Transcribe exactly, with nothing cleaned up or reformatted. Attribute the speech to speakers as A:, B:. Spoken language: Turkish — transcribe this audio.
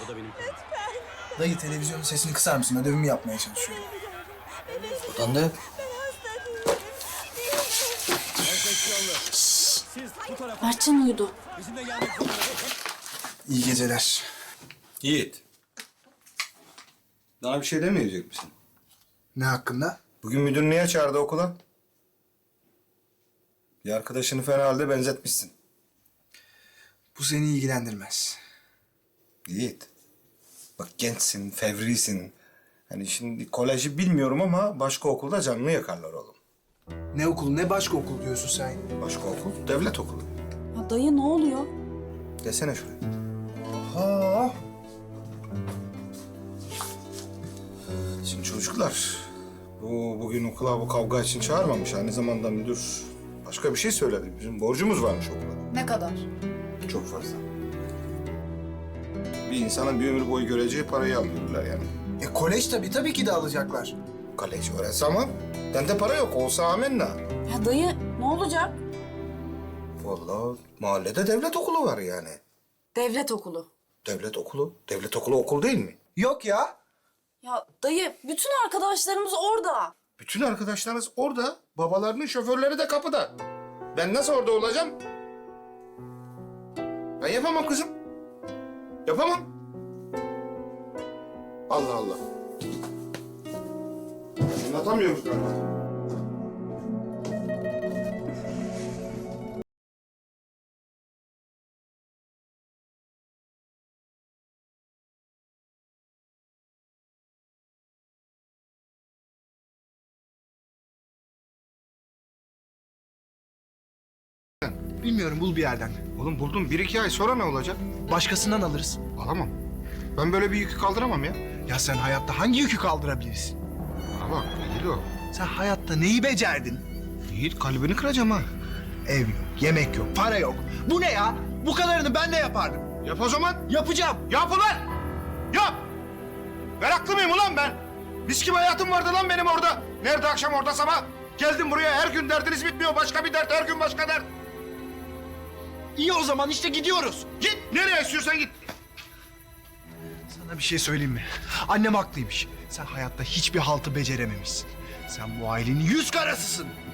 A: O da benim.
B: Dayı televizyonun sesini kısar mısın? Ödevimi yapmaya çalışıyorum.
C: Buradan da yap.
D: Mertcan uyudu.
B: İyi geceler.
E: Yiğit. Daha bir şey demeyecek misin?
B: Ne hakkında?
E: Bugün müdür niye çağırdı okula? Bir arkadaşını fena halde benzetmişsin.
B: Bu seni ilgilendirmez.
E: Yiğit. Bak gençsin, fevrisin. Hani şimdi koleji bilmiyorum ama başka okulda canını yakarlar oğlum.
B: Ne okulu ne başka okul diyorsun sen?
E: Başka okul, devlet okulu.
D: Ya dayı ne oluyor?
E: Desene şuraya.
B: Ha.
E: Şimdi çocuklar, bu bugün okula bu kavga için çağırmamış. Aynı zamanda müdür başka bir şey söyledi. Bizim borcumuz varmış okula.
D: Ne kadar?
E: Çok fazla. Bir insanın bir ömür boyu göreceği parayı alıyorlar yani.
B: E kolej tabii tabii ki de alacaklar.
E: Kaleci öğrense ama bende para yok. Olsa amenna.
D: Ya dayı ne olacak?
E: Vallahi mahallede devlet okulu var yani.
D: Devlet okulu.
E: Devlet okulu? Devlet okulu okul değil mi?
B: Yok ya.
D: Ya dayı bütün arkadaşlarımız orada.
E: Bütün arkadaşlarınız orada. Babalarının şoförleri de kapıda. Ben nasıl orada olacağım? Ben yapamam kızım. Yapamam. Allah Allah. Anlatamıyoruz galiba.
B: Bilmiyorum bul bir yerden.
E: Oğlum buldum. Bir iki ay sonra ne olacak?
B: Başkasından alırız.
E: Alamam. Ben böyle bir yükü kaldıramam ya.
B: Ya sen hayatta hangi yükü kaldırabilirsin?
E: Bana bak Yiğit.
B: Sen hayatta neyi becerdin?
E: Yiğit kalbini kıracağım ha.
B: Ev yok, yemek yok, para yok. Bu ne ya? Bu kadarını ben de yapardım.
E: Yap o zaman.
B: Yapacağım.
E: Yap ulan! Yap! Meraklı mıyım ulan ben? Mis gibi hayatım vardı lan benim orada. Nerede akşam orada sabah? Geldim buraya her gün derdiniz bitmiyor. Başka bir dert, her gün başka dert.
B: İyi o zaman işte gidiyoruz.
E: Git nereye istiyorsan git.
B: Sana bir şey söyleyeyim mi? Annem haklıymış. Sen hayatta hiçbir haltı becerememişsin. Sen bu ailenin yüz karasısın.